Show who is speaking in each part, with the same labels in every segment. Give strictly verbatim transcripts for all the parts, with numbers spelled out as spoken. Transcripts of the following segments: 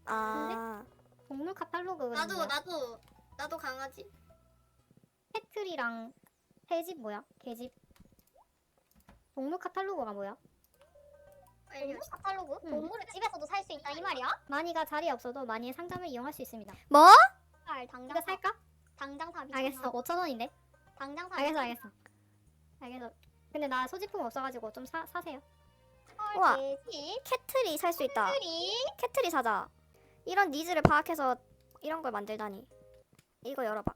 Speaker 1: 아,
Speaker 2: 동물 카탈로그.
Speaker 3: 나도
Speaker 2: 뭐야?
Speaker 3: 나도 나도 강아지.
Speaker 2: 패트리랑 새집 뭐야? 개집. 동물 카탈로그가 뭐야?
Speaker 3: 알려.
Speaker 4: 동물 카탈로그?
Speaker 2: 응.
Speaker 4: 동물을 집에서도 살 수 있다 이 말이야?
Speaker 2: 마니가 자리에 없어도 마니의 상점을 이용할 수 있습니다.
Speaker 1: 뭐?
Speaker 4: 살 당장
Speaker 2: 이거
Speaker 4: 사.
Speaker 2: 살까?
Speaker 4: 당장 사. 미쳤나?
Speaker 2: 알겠어. 오천 원인데.
Speaker 4: 당장 사.
Speaker 2: 알겠어, 알겠어. 알겠어. 근데 나 소지품 없어가지고 좀 사, 사세요.
Speaker 1: 우와.
Speaker 4: 헐 돼지.
Speaker 1: 캐트리 살 수 있다.
Speaker 4: 트리.
Speaker 1: 캐트리 사자. 이런 니즈를 파악해서 이런 걸 만들다니. 이거 열어봐.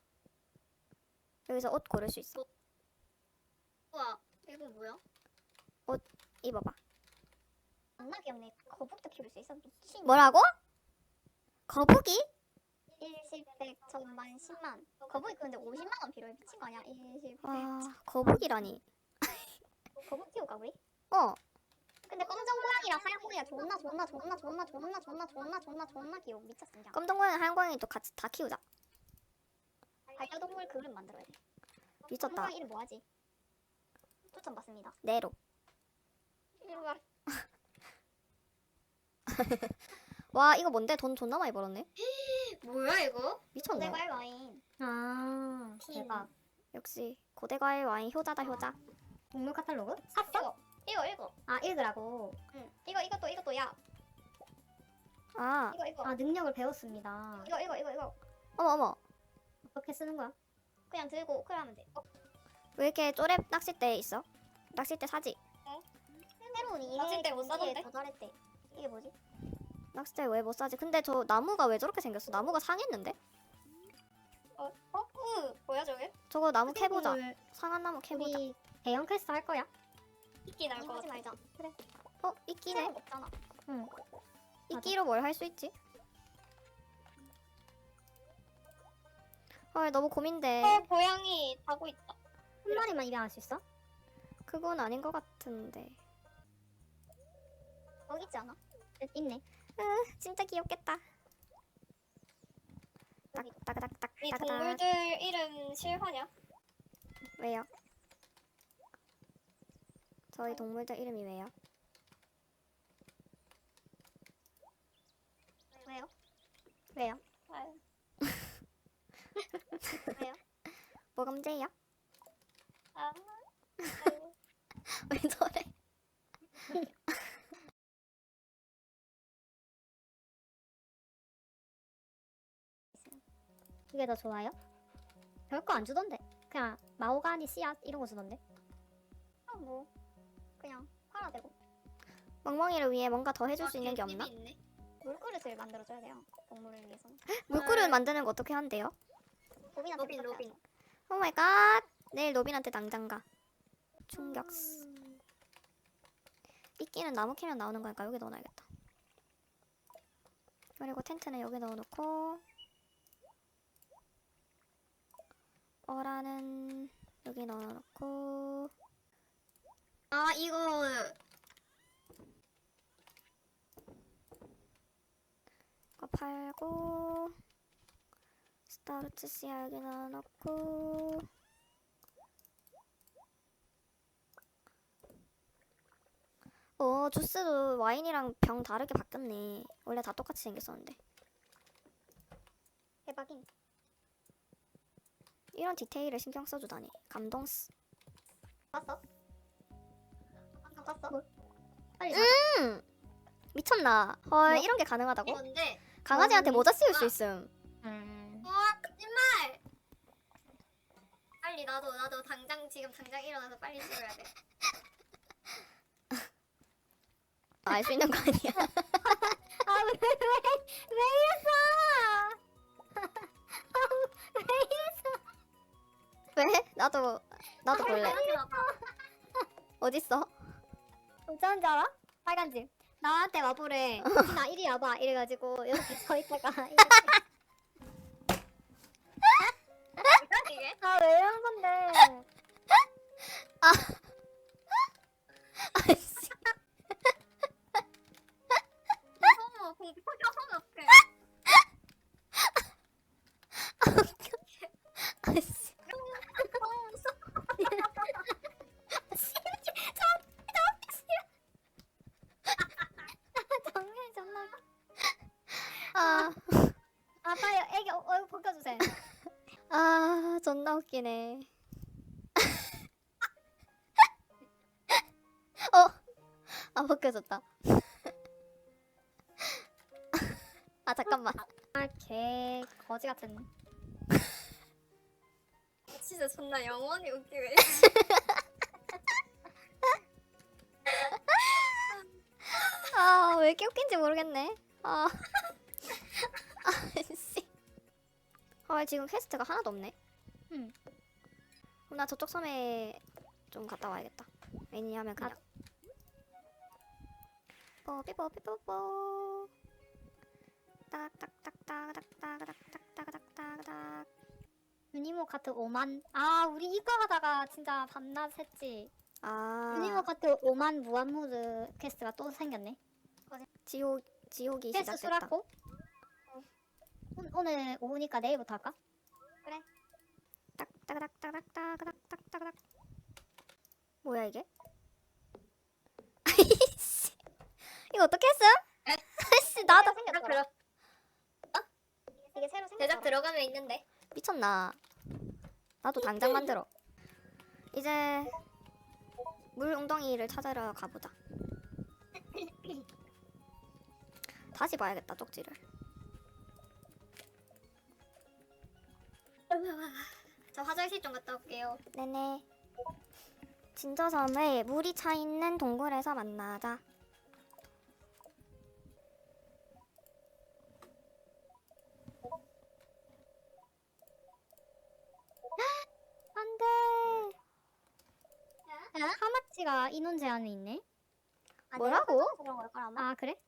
Speaker 1: 여기서 옷 고를 수 있어.
Speaker 3: 우와 이거 뭐야?
Speaker 1: 입어봐.
Speaker 4: 겁나 귀엽네. 거북도 키울 수 있어. 미친.
Speaker 1: 뭐라고? 거북이?
Speaker 4: 일십, 백, 천만, 십만. 거북이 근데 오십만 원 필요해. 미친 거 아니야? 일십, 백.
Speaker 1: 와, 거북이라니.
Speaker 4: 거북 키울까 우리?
Speaker 1: 어,
Speaker 4: 근데 검정 고양이랑 하얀 고양이가 존나 존나 존나 존나 존나 존나 존나 존나 존나 귀여워. 미쳤어 그냥.
Speaker 1: 검정 고양이, 하얀 고양이도 같이 다 키우자.
Speaker 4: 반려동물 그릇 만들어야 돼.
Speaker 1: 미쳤다.
Speaker 4: 고양이 이름 뭐하지? 추천 받습니다.
Speaker 1: 네로.
Speaker 4: 이리 와.
Speaker 1: 와, 이거 뭔데? 돈 존나 많이 벌었네.
Speaker 3: 뭐야 이거?
Speaker 1: 미쳤네.
Speaker 4: 고대과일 와인.
Speaker 2: 아,
Speaker 4: 팀.
Speaker 2: 대박.
Speaker 1: 역시 고대과일 와인 효자다 효자.
Speaker 2: 동물 카탈로그?
Speaker 4: 샀어. 이거 이거.
Speaker 2: 아, 읽으라고.
Speaker 4: 응. 이거 이것도 이것도 야.
Speaker 1: 아,
Speaker 4: 이거 이거.
Speaker 2: 아, 능력을 배웠습니다.
Speaker 4: 이거 이거 이거 이거.
Speaker 1: 어머 어머.
Speaker 2: 어떻게 쓰는 거야?
Speaker 4: 그냥 들고 오크하면 돼. 어,
Speaker 1: 왜 이렇게 쪼렙 낚싯대 있어? 낚싯대 사지.
Speaker 4: 새로운 이해
Speaker 3: 낚싯대 못 사던데?
Speaker 4: 더 잘했대. 이게 뭐지?
Speaker 1: 낚싯대 왜 못 사지? 근데 저 나무가 왜 저렇게 생겼어? 나무가 상했는데?
Speaker 4: 어? 어? 으, 뭐야 저게?
Speaker 1: 저거 나무 캐보자.
Speaker 2: 오늘
Speaker 1: 상한 나무 캐보자.
Speaker 2: 우리 대형 퀘스트 할 거야?
Speaker 3: 이끼 날
Speaker 4: 이거
Speaker 3: 것
Speaker 4: 하지
Speaker 3: 같아.
Speaker 4: 말자. 그래.
Speaker 1: 어, 이끼네.
Speaker 4: 새로운 거 없잖아.
Speaker 2: 응.
Speaker 1: 이끼로 뭘 할 수 있지? 헐, 너무 고민돼.
Speaker 4: 어, 고양이 자고 있다.
Speaker 2: 한 마리만 입양할 수 있어?
Speaker 1: 그건 아닌 것 같은데.
Speaker 4: 여기 있지 않아?
Speaker 2: 있네.
Speaker 1: 진짜 귀엽겠다.
Speaker 4: 여기.
Speaker 1: 딱딱딱딱
Speaker 3: 이
Speaker 1: 딱딱.
Speaker 3: 동물들 이름 실화냐?
Speaker 1: 왜요? 저희 동물들 이름이 왜요?
Speaker 4: 왜요?
Speaker 2: 왜요?
Speaker 4: 아유. 왜요?
Speaker 1: 뭐가 문제예요?
Speaker 4: 아. 아유.
Speaker 1: 왜 저래?
Speaker 2: 그게 더 좋아요? 별거 안 주던데. 그냥 마오가니 씨앗 이런 거 주던데.
Speaker 4: 아, 뭐 그냥 팔아 대고
Speaker 1: 멍멍이를 위해 뭔가 더 해줄 수
Speaker 3: 아,
Speaker 1: 있는 게
Speaker 3: 개꿀이
Speaker 1: 없나?
Speaker 3: 있네.
Speaker 4: 물그릇을 만들어줘야 돼요. 동물을 위해서는.
Speaker 1: 물그릇 만드는 거 어떻게 한대요?
Speaker 4: 로빈한테
Speaker 3: 로빈
Speaker 4: 부탁해야죠.
Speaker 3: 로빈.
Speaker 1: 오 마이 갓! 내일 로빈한테 당장 가. 충격. 이끼는 나무 캐면 나오는 거니까 여기 넣어놔야겠다. 그리고 텐트는 여기 넣어놓고 어라는 여기 넣어놓고
Speaker 3: 아 이거
Speaker 1: 이거 팔고 스타르트 씨알 여기 넣어놓고 어 주스도 와인이랑 병 다르게 바뀌었네. 원래 다 똑같이 생겼었는데
Speaker 4: 대박인.
Speaker 1: 이런 디테일을 신경 써주다니 감동스.
Speaker 4: 봤어? 안 봤어?
Speaker 2: 빨리
Speaker 1: 음 미쳤나? 헐
Speaker 2: 뭐?
Speaker 1: 이런 게 가능하다고?
Speaker 3: 뭔데?
Speaker 1: 강아지한테
Speaker 2: 뭐?
Speaker 1: 모자 씌울 수 있음.
Speaker 2: 음.
Speaker 3: 어 거짓말. 빨리 나도 나도 당장 지금 당장 일어나서 빨리 씹어야 돼.
Speaker 1: 알 수 있는 거 아니야?
Speaker 2: 아, 왜, 왜, 왜 이랬어?
Speaker 1: 왜? 나도 나도 볼래. 어딨어?
Speaker 2: 어쩐 줄 알아? 빨간 집. 나한테 와보래. 나 이리 와봐. 이래가지고 이렇게 서 있다가
Speaker 3: 이게?
Speaker 2: 아, 왜 이런 건데?
Speaker 1: 아이씨.
Speaker 3: 어머 공포하면 어떡해?
Speaker 1: 아이씨.
Speaker 2: 정말 존나.
Speaker 1: 존나 웃기네. 어? 아 벗겨졌다. 아 잠깐만.
Speaker 2: 아개 거지 같은.
Speaker 3: 진짜 존나 영원히 웃기네.
Speaker 1: 아 왜 이렇게 웃긴지 모르겠네. 아. 아씨. 아 지금 퀘스트가 하나도 없네.
Speaker 2: 응.
Speaker 1: 그럼 나 저쪽 섬에 좀 갔다 와야겠다. 왜냐하면 그냥. 뽀삐뽀삐뽀뽀. 따닥따닥따닥따닥따닥따닥따닥.
Speaker 2: 유니모 카트 오만. 아 우리 이거 하다가 진짜 밤낮 했지. 유니모
Speaker 1: 아
Speaker 2: 카트 오만 무한무드 퀘스트가 또 생겼네.
Speaker 1: 지옥 지옥이
Speaker 2: 퀘스트
Speaker 1: 시작됐다.
Speaker 2: 수락고. 오- 오늘 오후니까 내일부터 할까?
Speaker 1: 딱따닥따닥따닥따닥따닥. 뭐야 이게? 아이씨. 이거 어떻게 했음? 아이씨 나도
Speaker 3: 제작 들어
Speaker 4: 이게 새로
Speaker 3: 제작
Speaker 4: 생겼어.
Speaker 3: 들어가면 있는데.
Speaker 1: 미쳤나? 나도 당장 만들어. 이제 물 웅덩이를 찾으러 가보자. 다시 봐야겠다 쪽지를.
Speaker 3: 저 화장실 좀 갔다 올게요.
Speaker 1: 네네. 진저섬의 물이 차 있는 동굴에서 만나자. 안돼.
Speaker 2: 하마치가 인원 제한이 있네.
Speaker 1: 뭐라고?
Speaker 4: 그런 걸걸 아마.
Speaker 2: 아 그래?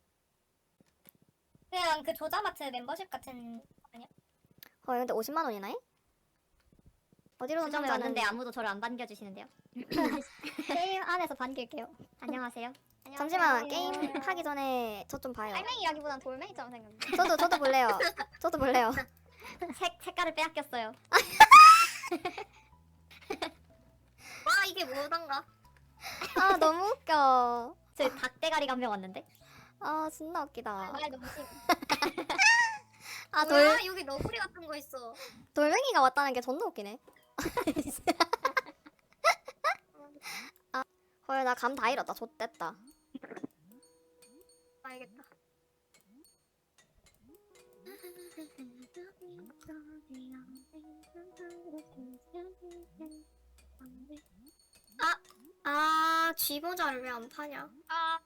Speaker 3: 그냥 그 조자마트 멤버십 같은.
Speaker 1: 어 근데 오십만 원이나 해? 어디로
Speaker 2: 수정을
Speaker 1: 던져는
Speaker 2: 왔는데 아무도 저를 안 반겨주시는데요. 게임 안에서 반길게요. 안녕하세요.
Speaker 1: 잠시만 게임 하기 전에 저 좀 봐요.
Speaker 4: 알맹이라기보단 돌멩이처럼 생겼네.
Speaker 1: 저도 저도 볼래요. 저도 볼래요.
Speaker 2: 색 색깔을 빼앗겼어요.
Speaker 3: 와 이게 뭐던가.
Speaker 1: 아 너무 웃겨.
Speaker 2: 저 닭대가리 감명 왔는데.
Speaker 1: 아 진짜 웃기다.
Speaker 4: 말 너무 심.
Speaker 1: 아
Speaker 3: 뭐야
Speaker 1: 돌
Speaker 3: 여기 너구리 같은 거 있어.
Speaker 1: 돌멩이가 왔다는 게 존나 웃기네. 아, 헐 나 감 다 잃었다. 좆됐다.
Speaker 3: 알겠다. 아 쥐모자를 왜 안 파냐?
Speaker 2: 아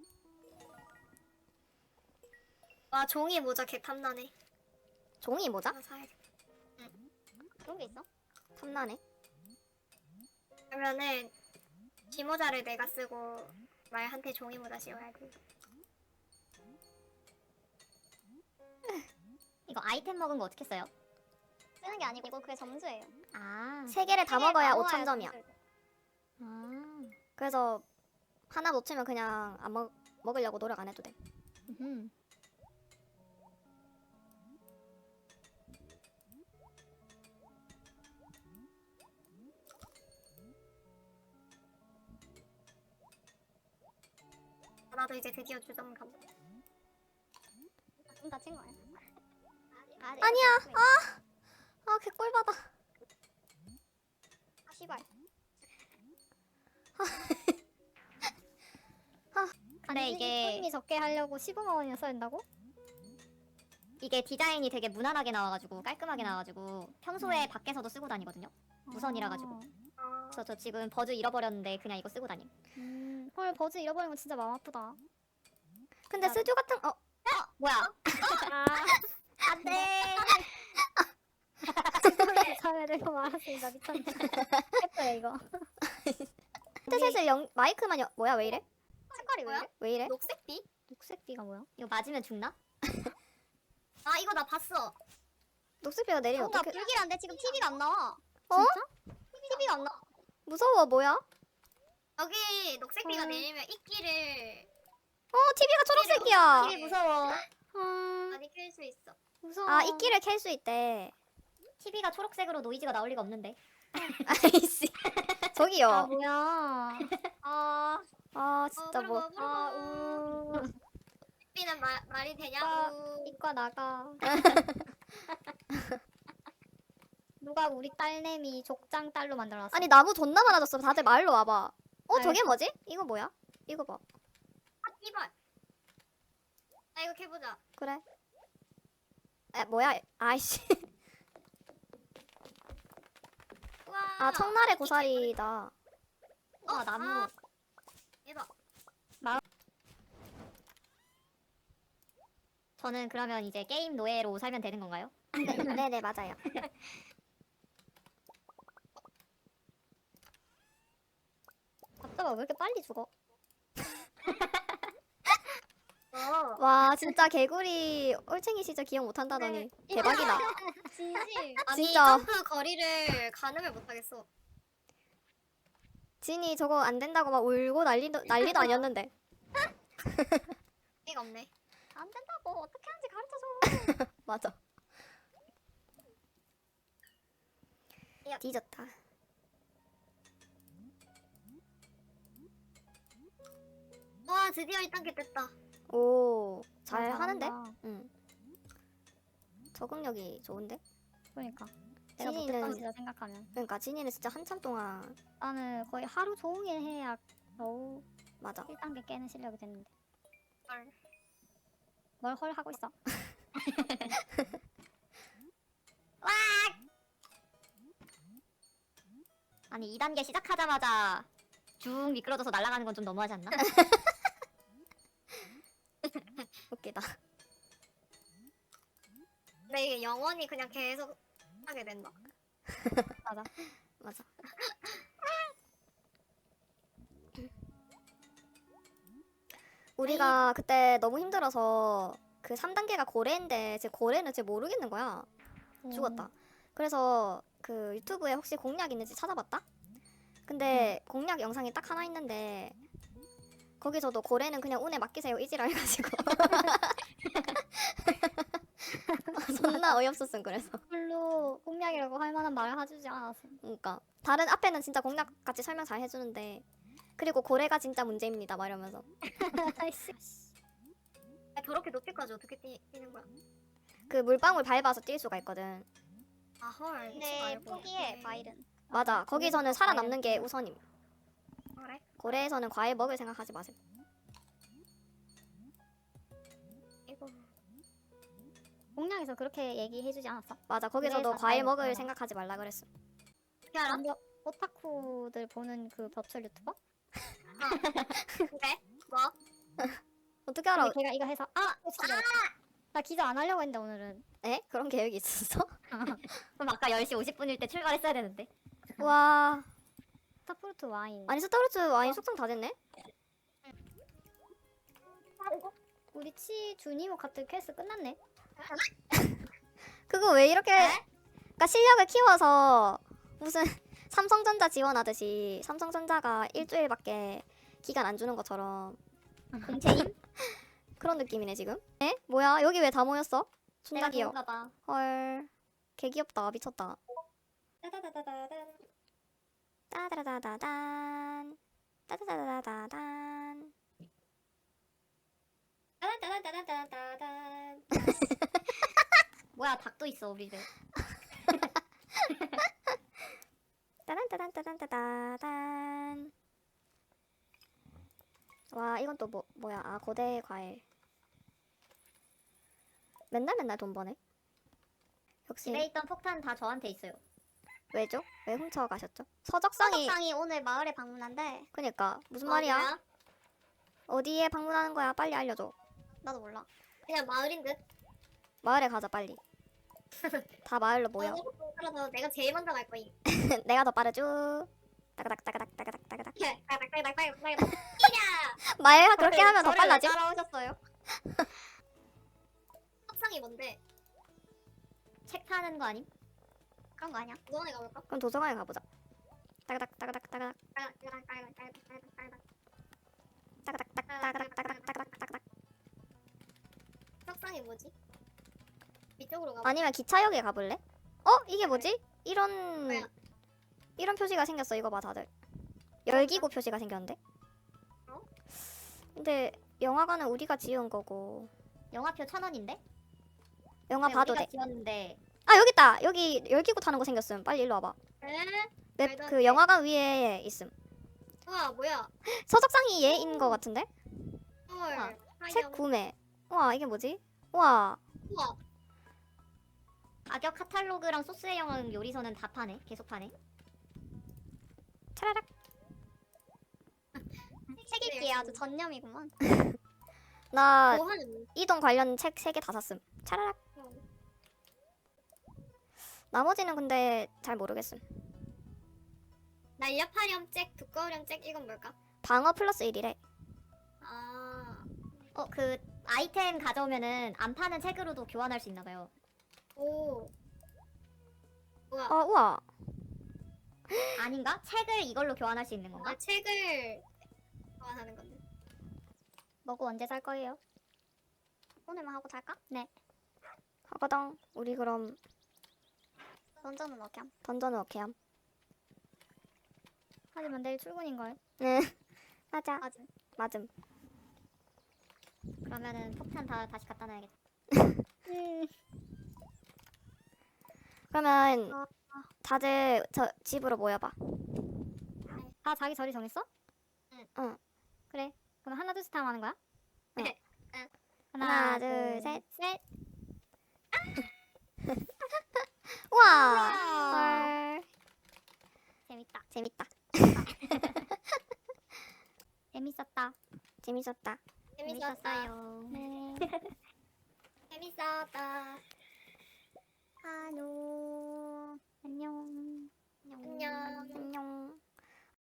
Speaker 3: 와 종이 모자 개 탐나네.
Speaker 1: 종이 모자?
Speaker 3: 하나 사야겠다.
Speaker 4: 그런 게 있어?
Speaker 1: 탐나네.
Speaker 3: 그러면은 쥐모자를 내가 쓰고 말한테 종이 모자 씌워야 돼.
Speaker 2: 이거 아이템 먹은 거 어떻게 써요?
Speaker 4: 쓰는 게 아니고 그게 점수예요.
Speaker 2: 아.
Speaker 1: 세 개를 다
Speaker 4: 세 개
Speaker 1: 먹어야
Speaker 4: 다
Speaker 1: 오천 점이야.
Speaker 4: 점수를.
Speaker 2: 아.
Speaker 1: 그래서 하나 놓치면 그냥 안 먹, 먹으려고 노력 안 해도 돼.
Speaker 2: 음.
Speaker 3: 나도 이제 드디어 주점 가보.
Speaker 4: 좀 다친 거야.
Speaker 1: 아니야. 아, 아 개꿀받아.
Speaker 4: 아 씨발.
Speaker 2: 근데 이게 손님이 적게 하려고 십오만 원이나 써야 된다고? 이게 디자인이 되게 무난하게 나와가지고 깔끔하게 나와가지고 평소에 밖에서도 쓰고 다니거든요. 무선이라 가지고.
Speaker 3: 아,
Speaker 2: 그래서 저 지금 버즈 잃어버렸는데 그냥 이거 쓰고 다님. 음. 헐 버즈 잃어버리면 진짜 마음 아프다.
Speaker 1: 근데 스튜 같은 어
Speaker 2: 뭐야?
Speaker 1: 아.
Speaker 2: 안돼. 사회를 이거 말았습니다. 미쳤네. 예뻐요 이거.
Speaker 1: 헤드셋을 영 마이크만 여, 뭐야 왜 이래?
Speaker 4: 색깔이 왜
Speaker 3: 뭐야?
Speaker 4: 이래?
Speaker 1: 왜 이래?
Speaker 3: 녹색비?
Speaker 2: 녹색비가 뭐야? 이거 맞으면 죽나?
Speaker 3: 아 이거 나 봤어.
Speaker 1: 녹색비가 내리면
Speaker 4: 뭔가
Speaker 1: 어떡해?
Speaker 4: 불길한데 지금 티비가 안 나와.
Speaker 1: 어?
Speaker 4: 티비가 안 나와.
Speaker 1: 무서워 뭐야?
Speaker 3: 여기 녹색비가
Speaker 1: 어.
Speaker 3: 내리면 이끼를
Speaker 1: 어 티비가 초록색이야.
Speaker 2: TV 무서워.
Speaker 1: 음.
Speaker 3: 많이 켤 수 있어.
Speaker 2: 무서워.
Speaker 1: 아 이끼를 켤 수 있대.
Speaker 2: 티비가 초록색으로 노이즈가 나올 리가 없는데.
Speaker 1: 아이씨. 저기요.
Speaker 2: 아 뭐야?
Speaker 4: 아,
Speaker 1: 아 진짜 뭐.
Speaker 3: 아,
Speaker 2: 아
Speaker 3: 우.
Speaker 2: 우.
Speaker 3: 삐는 마, 말이
Speaker 2: 아,
Speaker 3: 되냐고.
Speaker 2: 이과 나가. 누가 우리 딸내미 족장 딸로 만들어놨어.
Speaker 1: 아니 나무 존나 많아졌어. 다들 마을로 와봐. 어
Speaker 2: 알겠어.
Speaker 1: 저게 뭐지? 이거 뭐야? 이거 봐.
Speaker 3: 아 이발. 나 이거 해보자.
Speaker 1: 그래. 에 뭐야? 아이씨.
Speaker 3: 우와.
Speaker 1: 아 청나래 고사리다.
Speaker 2: 어, 나무.
Speaker 3: 아, 얘다.
Speaker 2: 저는 그러면 이제 게임 노예로 살면 되는 건가요?
Speaker 1: 네네 맞아요.
Speaker 2: 답답아 왜 이렇게 빨리 죽어?
Speaker 3: 어.
Speaker 1: 와 진짜 개구리 올챙이 시절 기억 못한다더니 대박이다.
Speaker 2: 진심.
Speaker 3: 아니
Speaker 1: 진짜.
Speaker 3: 점프 거리를 가늠을 못하겠어.
Speaker 1: 진이 저거 안 된다고 막 울고 난리도 난리도 아니었는데.
Speaker 3: 이가 없네.
Speaker 2: 안 된다고 어떻게 하는지 가르쳐줘.
Speaker 1: 맞아. 뒤졌다.
Speaker 3: 와 드디어 일 단계 됐다.
Speaker 1: 오, 잘
Speaker 2: 아,
Speaker 1: 하는데?
Speaker 2: 잘한다.
Speaker 1: 응. 적응력이 좋은데?
Speaker 2: 그러니까 내가
Speaker 1: 진이는-
Speaker 2: 못했던 진짜 생각하면
Speaker 1: 그러니까 진이는 진짜 한참 동안
Speaker 2: 나는 거의 하루 종일 해야 겨우
Speaker 1: 맞아.
Speaker 2: 일 단계 깨는 실력이 됐는데
Speaker 3: 헐.
Speaker 2: 뭘 헐 하고 있어. 아니 이 단계 시작하자마자 쭉 미끄러져서 날아가는 건 좀 너무하지 않나?
Speaker 1: 웃기다.
Speaker 3: 근데 이게 영원히 그냥 계속 하게 된다.
Speaker 2: 맞아.
Speaker 1: 맞아. 우리가 그때 너무 힘들어서 그 삼 단계가 고래인데 제 고래는 제 모르겠는 거야. 죽었다. 그래서 그 유튜브에 혹시 공략 있는지 찾아봤다? 근데 공략 영상이 딱 하나 있는데 거기서도 고래는 그냥 운에 맡기세요 이지라 해가지고 존나 어이없었음. 그래서
Speaker 2: 별로 공략이라고 할 만한 말을 해주지 않았어.
Speaker 1: 그러니까 다른 앞에는 진짜 공략 같이 설명 잘 해주는데 그리고 고래가 진짜 문제입니다 막 이러면서
Speaker 2: 아이씨.
Speaker 3: 아, 저렇게 높이까지 어떻게 뛰, 뛰는 거야?
Speaker 1: 그 물방울 밟아서 뛸 수가 있거든.
Speaker 3: 아 헐.
Speaker 4: 근데 포기해 바일은.
Speaker 1: 맞아. 거기서는 살아남는 게 우선임.
Speaker 3: 그래?
Speaker 1: 고래에서는 과일 먹을 생각하지 마세요.
Speaker 3: 이거
Speaker 2: 공략에서 그렇게 얘기해주지 않았어?
Speaker 1: 맞아. 거기서도
Speaker 2: 그래서
Speaker 1: 과일
Speaker 2: 과일
Speaker 1: 먹을
Speaker 2: 먹어라.
Speaker 1: 생각하지 말라 그랬어.
Speaker 3: 어떻게 알아?
Speaker 2: 완전 오타쿠들 보는 그 벼출 유튜버?
Speaker 3: 그래? 뭐?
Speaker 1: 어떻게 알아?
Speaker 2: 근데 걔가 이거 해서 아! 기절. 나 기절 안 하려고 했는데 오늘은.
Speaker 1: 에? 그런 계획이 있었어?
Speaker 2: 그럼 아까 열 시 오십 분일 때 출발했어야 되는데.
Speaker 1: 와.
Speaker 2: 스타프루트 와인.
Speaker 1: 아니 스타르츠 와인 숙성 다 됐네?
Speaker 2: 우리 치 주니모 카트 퀘스트 끝났네.
Speaker 1: 그거 왜 이렇게 그러니까 실력을 키워서 무슨 삼성전자 지원하듯이 삼성전자가 일주일밖에 기간 안 주는 것처럼
Speaker 2: 공채임?
Speaker 1: 그런 느낌이네 지금. 에? 뭐야? 여기 왜 다 모였어? 존나
Speaker 2: 내가
Speaker 1: 귀여워.
Speaker 2: 좋은가 봐.
Speaker 1: 헐. 개 귀엽다. 미쳤다.
Speaker 2: 따다다다다단.
Speaker 1: 따다다다단. 따다다다단.
Speaker 2: 따다다다다다단. 뭐야 닭도 있어 우리 집.
Speaker 1: 따단따단따단따단. 와 이건 또 뭐 뭐야? 아 고대 과일. 맨날 맨날 돈 버네. 역시
Speaker 2: 집에 있던 폭탄 다 저한테 있어요.
Speaker 1: 왜죠? 왜 훔쳐 가셨죠? 서적상이
Speaker 4: 서적상이 오늘 마을에 방문한대.
Speaker 1: 그니까 무슨
Speaker 3: 어,
Speaker 1: 말이야?
Speaker 3: 뭐야?
Speaker 1: 어디에 방문하는 거야? 빨리 알려줘.
Speaker 4: 나도 몰라.
Speaker 3: 그냥 마을인 듯.
Speaker 1: 마을에 가자 빨리. 다 마을로 모여.
Speaker 3: 그래서 내가 제일 먼저 갈 거임.
Speaker 1: 내가 더 빠르죠. 따가닥 따가닥 따가닥 따가닥.
Speaker 3: 빨빨빨빨빨빨빨.
Speaker 1: 말 그렇게 하면 더
Speaker 2: 저를 왜
Speaker 1: 빨라지?
Speaker 2: 따라오셨어요?
Speaker 3: 석상이 뭔데?
Speaker 2: 책 타는 거 아님?
Speaker 4: 그런 거 아니야?
Speaker 3: 무성에 가볼까?
Speaker 1: 그럼 도서관에 가보자. 따가닥 따가닥 따가닥 따가닥 따가닥 따가닥 따가닥 따가닥.
Speaker 3: 석상이 뭐지? 이쪽으로 가볼까?
Speaker 1: 아니면 기차역에 가볼래? 어? 이게 뭐지? 이런
Speaker 3: 뭐야?
Speaker 1: 이런 표시가 생겼어. 이거 봐 다들. 열기구 표시가 생겼는데?
Speaker 3: 어?
Speaker 1: 근데 영화관은 우리가 지은 거고
Speaker 2: 영화표 천 원인데?
Speaker 1: 영화
Speaker 2: 네,
Speaker 1: 봐도
Speaker 2: 우리가
Speaker 1: 돼.
Speaker 2: 지웠는데
Speaker 1: 아 여기 있다. 여기 열기구 타는 거 생겼음. 빨리 일로 와봐.
Speaker 3: 에?
Speaker 1: 맵
Speaker 3: 말도 안
Speaker 1: 그
Speaker 3: 돼.
Speaker 1: 영화관 위에 있음.
Speaker 3: 우와 뭐야?
Speaker 1: 서적상이 얘인 거 같은데?
Speaker 3: 헐.
Speaker 1: 책
Speaker 3: 하염.
Speaker 1: 구매. 우와 이게 뭐지? 우와
Speaker 3: 우와.
Speaker 2: 가격 카탈로그랑 소스의 요리서는 다 파네. 계속 파네.
Speaker 1: 차라락.
Speaker 4: 책 읽기에 아주 전념이구만.
Speaker 1: 나
Speaker 3: 뭐 하는?
Speaker 1: 이동 관련 책 세 개 다 샀음. 차라락. 나머지는 근데 잘 모르겠음.
Speaker 3: 날렵하렴 잭, 두꺼우렴 잭 이건 뭘까?
Speaker 1: 방어 플러스 일이래.
Speaker 3: 아.
Speaker 2: 어 그 아이템 가져오면은 안 파는 책으로도 교환할 수 있나 봐요.
Speaker 3: 오. 우와.
Speaker 1: 어 우와.
Speaker 2: 아닌가? 책을 이걸로 교환할 수 있는 건가?
Speaker 3: 아 책을 교환하는 건데.
Speaker 2: 먹고 언제 살 거예요?
Speaker 4: 오늘만 하고 잘까?
Speaker 2: 네.
Speaker 1: 하거당. 우리 그럼
Speaker 4: 던전은 어떻게 함?
Speaker 1: 던전은 오케이 함.
Speaker 2: 하지만 내일 출근인걸.
Speaker 1: 네. 맞아.
Speaker 4: 맞음.
Speaker 1: 맞음.
Speaker 2: 그러면은 폭탄 다 다시 갖다 놔야겠다.
Speaker 4: 음.
Speaker 1: 그러면
Speaker 4: 어,
Speaker 1: 다들 저 집으로 모여봐.
Speaker 2: 다 자기 자리 정했어?
Speaker 3: 응.
Speaker 1: 응.
Speaker 2: 그래. 그럼 하나 둘셋 하면 하는 거야?
Speaker 1: 응.
Speaker 3: 응.
Speaker 1: 하나, 둘, 셋.
Speaker 2: 셋.
Speaker 1: 우와. 헐.
Speaker 2: 재밌다.
Speaker 1: 재밌다.
Speaker 2: 재밌었다.
Speaker 1: 재밌었다.
Speaker 3: 재밌었다.
Speaker 2: 네.
Speaker 3: 재밌었다.
Speaker 4: 안녕.
Speaker 2: 안녕.
Speaker 3: 안녕.
Speaker 1: 안녕.